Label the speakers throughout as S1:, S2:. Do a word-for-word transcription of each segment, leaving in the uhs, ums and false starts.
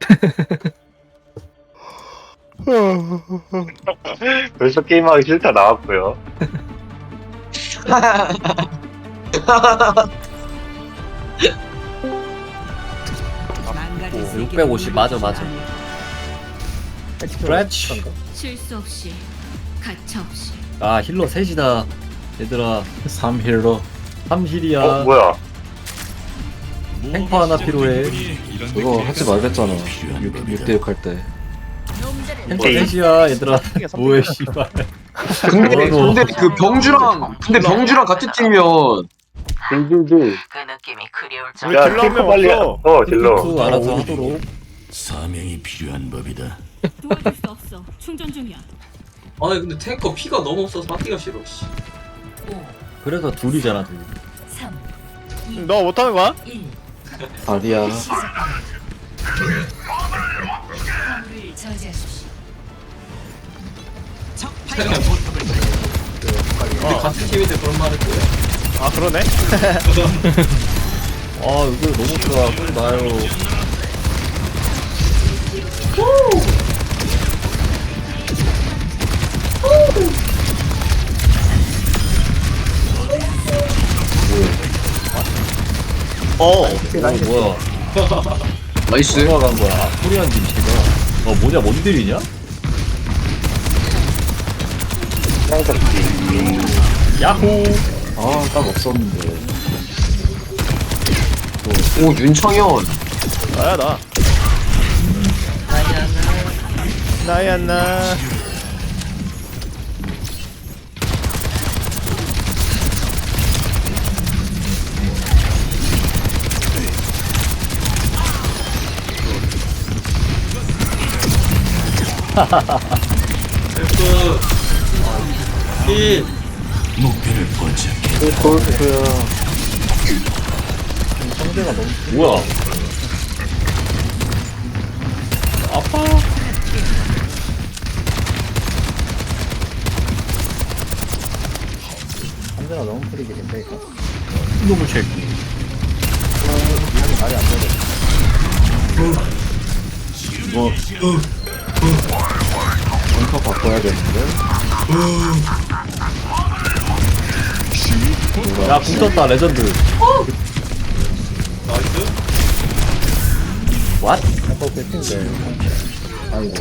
S1: 벌써 게임하기 싫다 나왔고요.
S2: 육백오십 맞아 맞아. 그렇지.
S3: 실수 없이 가차 없이
S2: 아 힐러 셋이다 얘들아.
S4: 삼 힐러.
S2: 삼 힐이야.
S1: 어 뭐야?
S2: 탱커 하나 필요해.
S4: 그거 하지 말랬잖아. 육 대 육 할 때.
S2: 탱커 셋이야 얘들아. 뭐해 씨발.
S5: 근데
S2: 뭐라고.
S5: 근데 그 병주랑 근데 병주랑 같은 팀이면
S1: 딜딜딜.
S6: 그 느낌이 그리울 줄.
S7: 우리
S1: 야
S7: 딜러 한
S1: 탱커
S7: 명
S1: 빨리.
S7: 없어.
S1: 어 딜러.
S2: 수 알아서 하도록.
S8: 사명이 필요한 법이다.
S3: 도와줄 수 없어. 충전 중이야.
S5: 아니 근데 탱커 피가 너무 없어서 맞기가 싫어. 씨.
S2: 그래서 둘이잖아 둘.
S7: 너 못하는 거야?
S4: 다리야.
S5: 우리 같은 팀인데 그런 말을 또 해.
S7: 아 그러네.
S2: 아 이거 너무 좋아. 꿀 나요.
S7: 어.
S2: 어 뭐야.
S5: 나이스.
S2: 누가 간 거야. 코리안 김치가. 어 뭐냐 뭔들이냐? 야호.
S4: 아, 딱 없었는데.
S5: 오 윤창현.
S7: 나야 나. 나야 나.
S5: F 일.
S8: 목표를 포착해.
S4: 골프야.
S2: 상대가 너무 뭐야? 아파.
S4: 상대가 너무 프리길인데, 이거.
S2: 이놈의 새끼.
S4: 말이 안 되네. 이거. 벙커 바꿔야겠는데?
S2: 야 붙었다 레전드.
S5: 나이스.
S2: 왓?
S4: 벙커 뺏긴데. 아이고.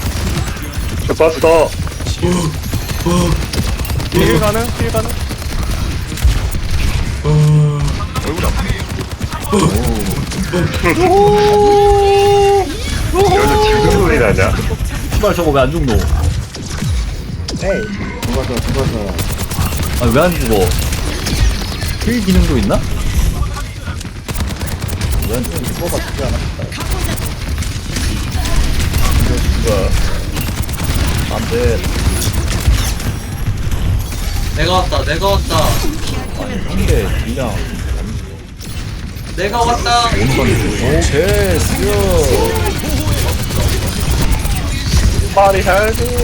S1: 잡았어.
S7: 딜 가능? 딜 가능? 얼굴 아파.
S1: 여기서 지금 소리 나냐?
S2: 씨발 저거 왜 안 죽노?
S4: 에이. 누가서, 누가서.
S2: 아 왜 안 죽어? 힐 기능도 있나?
S4: 왜 죽어가 죽지 않았다.
S2: 안돼.
S5: 내가 왔다. 내가 왔다.
S2: 상대 그냥
S5: 내가 왔다.
S2: 오케이 수요.
S1: 파리 할지.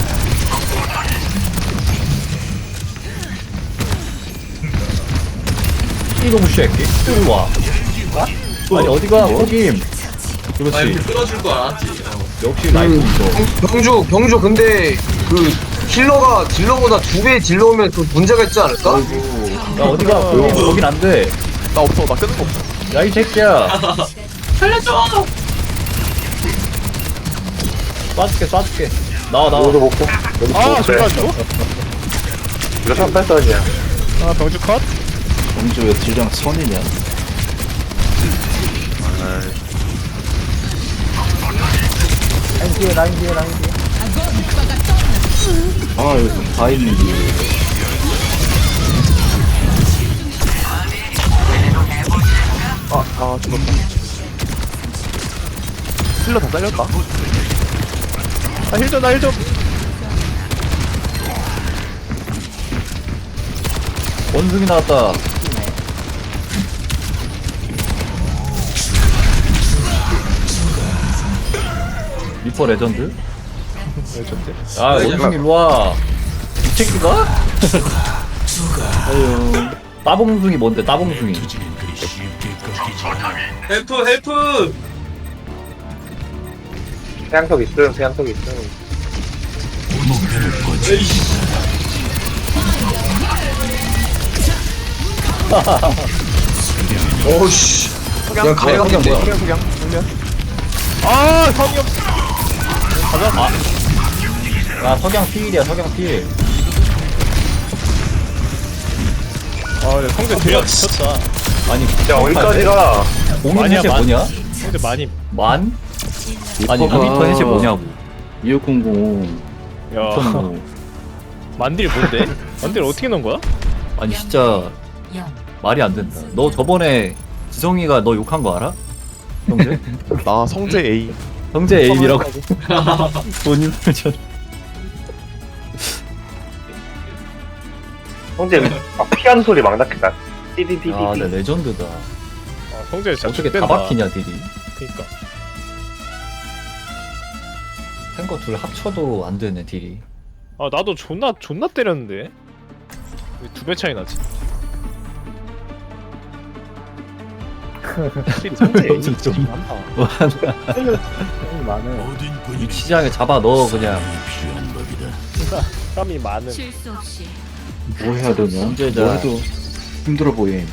S2: 이놈의 새끼 이리 와. 아니 어디가 호김.
S5: 아
S2: 그렇지.
S5: 이렇게 끌어줄 거 알았지. 어.
S2: 역시 라이프죠.
S5: 병- 병주 병주 근데 그 힐러가 딜러보다 두 배 딜러면 그 문제가 있지 않을까?
S2: 야 어디가 호김 거긴 안 돼.
S7: 나 없어. 나 끄는 거 없어.
S2: 야 이 새끼야.
S5: 살려줘.
S2: 쏴줄게 쏴줄게. 나와 나와.
S1: 이거 먹고. 여기
S7: 아
S1: 먹고
S7: 저기
S1: 그래.
S7: 가지고?
S1: 이거 삼팔선이야.
S7: 아 병주 컷?
S4: 범주 왜 딜량 선이냐? 라인 뒤에, 라인 뒤에, 라인 뒤에. 아, 여기 다 있는데.
S7: 아, 아 죽었다. 힐러 다 잘렸다. 아 힐 좀, 나 힐 좀.
S2: 원숭이 나왔다. 리퍼 레전드?
S7: 레전드.
S2: 아 원숭이 일로와. 이 새끼가? 아유 따봉숭이 뭔데 따봉숭이.
S8: 투지는 그리 쉽게 꺾이지 않아.
S5: 헬프 헬프.
S1: 태양석 있음, 태양석 있음.
S8: 목표를 포착했다.
S5: 어우씨. 그냥 가야겠네.
S7: 그냥 그냥 그냥.
S2: 아 성형 가자. 아. 야 석양 필이야 석양 필.
S7: 아 근데 성대 되게 미쳤다.
S2: 아니
S1: 야, 어디까지 가?
S2: 공인
S7: 만이야,
S2: 해제
S7: 만.
S2: 뭐냐?
S7: 성대 많이.
S2: 만? 아니
S4: 리퍼가
S2: 리미터 해제 뭐냐고.
S4: 이육공공
S7: 야
S2: 미쳤노.
S7: 만딜 뭔데? 만딜 어떻게 넣은 거야?
S2: 아니 진짜 말이 안 된다. 너 저번에 지성이가 너 욕한 거 알아? 형제?
S7: 나 성재 A.
S2: 형제 에임이라고 본인 설전.
S1: 형제, 막 피하는 소리 막 났겠다. 띠디디디디.
S2: 아, 네 레전드다.
S7: 아 성재 진짜
S2: 어떻게 다
S7: 죽겠다.
S2: 박히냐 딜이.
S7: 그니까.
S2: 탱거 둘 합쳐도 안 되네 딜이.
S7: 아 나도 존나 존나 때렸는데. 왜 두 배 차이 나지? 확실히 성재 A
S2: 좀-
S7: 좀 많다.
S8: 모든
S2: 이
S8: 군인에게
S2: 시장에 잡아 넣어 그냥.
S8: 사명이 필요한 법이다.
S7: 땀이 많은.
S3: 실수 없이
S4: 뭐 해야 되냐?
S2: 문제자.
S4: 뭐 해도 힘들어 보임.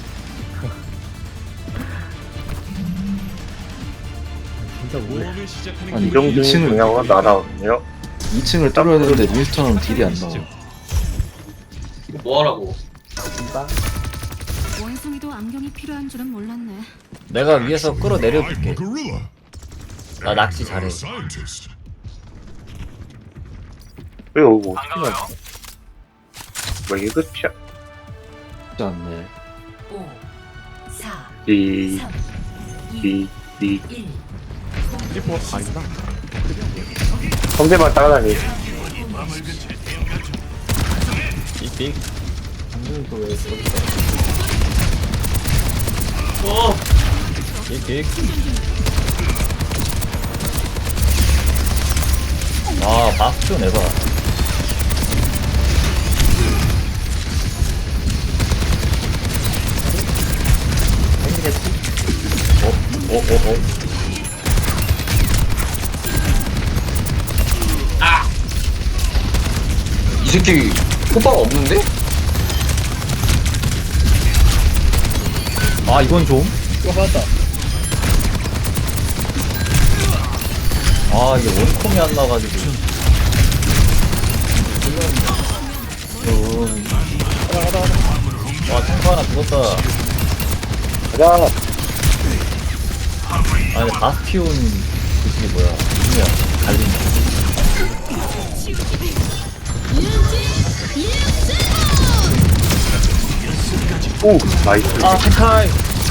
S4: 아니
S1: 이정도
S4: 이 층을
S1: 중요하고 나다거든요.
S4: 이 층을 뚫어야 되는데 윈스턴은 딜이 안 나와.
S5: 뭐하라고?
S3: 원숭이도 안경이 필요한 줄은 몰랐네.
S2: 내가 위에서 끌어내려줄게. 나 낚시 잘해.
S1: 왜 오고? 뭐 이게 끝이야?
S4: 쉽지 않네.
S1: 디, 디, 디.
S7: 리포 아니구나.
S1: 성대만 따라다니.
S7: 빅빅.
S2: 빅빅. 아 바스tion 해봐. 생기겠지? 어? 어? 어? 어?
S5: 이 새끼 호박 없는데?
S2: 아 이건 좀. 아 이게 원콤이 안 나가지고. 음. 와 탱크 하나 죽었다.
S1: 가자.
S2: 아니 바스티온 그게 뭐야? 뭐야? 갈린다.
S1: 오, 나이스.
S2: 아 탱카이.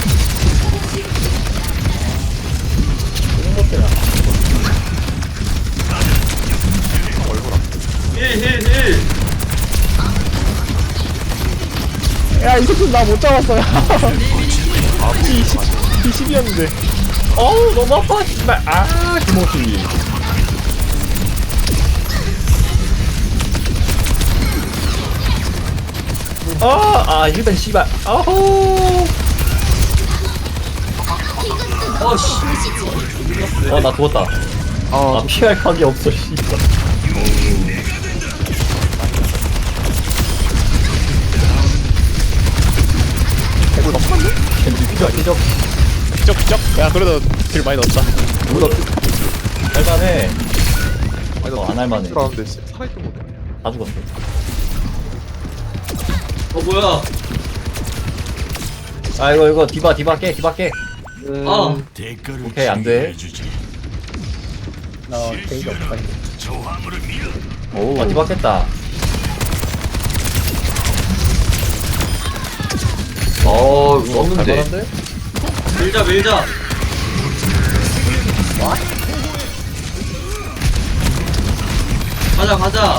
S7: 야, 이 새끼 나 못 잡았어요. 아, 피 십이었는데.
S2: 어우 너무 아파 씨발. 아 김호수. 아, 아, 일단 씨발. 아호. 어, 나 죽었다. 아, 피할 각이 없어, 씨발. 겐지 피자, 피자.
S7: 기적 기적. 야, 그래도 딜 많이 넣었다.
S2: 물어. 할만해. 어, 안 할만해.
S7: 들어왔는데 살아있던 거.
S2: 다 죽었어.
S5: 어 뭐야?
S2: 아, 이거, 이거, 디바, 디바 깨, 디바 깨.
S5: 아
S8: 대가를
S2: 오케이, 안 돼.
S8: 준비해주지.
S2: 오, 아, 디바 깼다.
S5: 어, 이거 없는데.
S2: 갈만한데?
S5: 밀자 밀자. 가자 가자.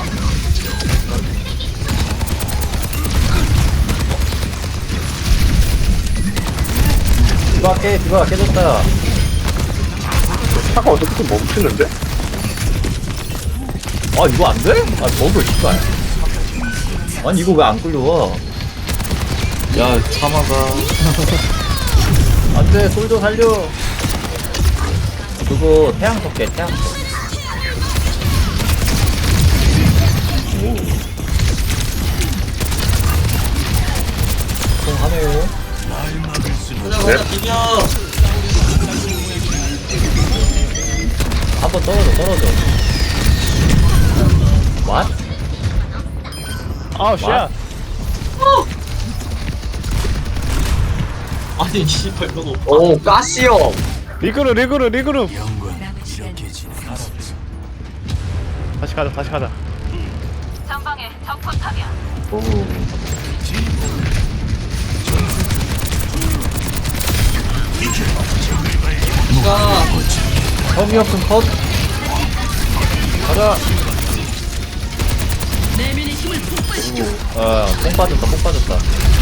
S2: 디바 깨, 디바 깨졌다.
S1: 차가 어떻게 좀 멈추는데?
S2: 아 이거 안 돼? 아 버그 씨발. 아니 이거 왜 안 끌려와?
S4: 야 참아가.
S2: 안돼 솔저 살려. 그거 태양석 깨 태양석. 하네요. 한번 떨어져 떨어져. What?
S7: 아우 쉣.
S9: 아니 씨발 너무
S5: 오 가시 형.
S7: 리그룹 리그룹 리그룹.
S8: 영광 이렇게 진행할 수 없어.
S7: 다시 가자 다시 가자.
S6: 전방에 적포탑이야.
S4: 오.
S2: 혐의 없음 컷. 가자. 아, 뽕 빠졌다, 뽕 빠졌다.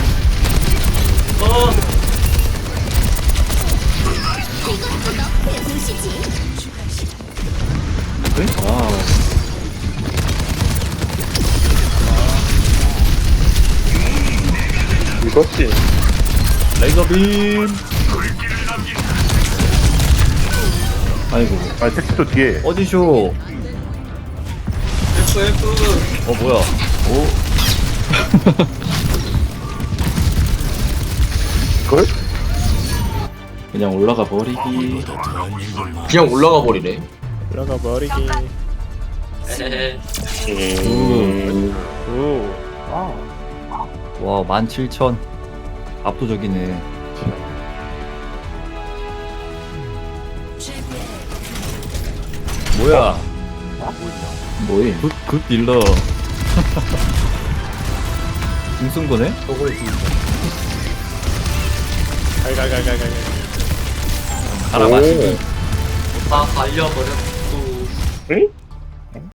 S4: 와우.
S1: 이거지.
S2: 레이저 빔.
S4: 아이고.
S1: 아, 택시도 뒤에.
S2: 어디쇼?
S9: F F
S2: 어, 뭐야? 오,
S1: 그걸?
S4: 그냥 올라가 버리기.
S8: 보다 더할 일들 많아.
S5: 그냥 올라가 버리네.
S7: 올라가 버리기.
S9: 에헤헤
S1: 음.
S7: 오.
S2: 와, 만 칠천. 압도적이네. 뭐야?
S4: 뭐임?
S2: 굿, 굿 딜러. 궁쓴 거네?
S7: 갈갈갈갈갈.
S2: 가라, 마시기.
S9: 다 갈려버렸어.
S1: 응?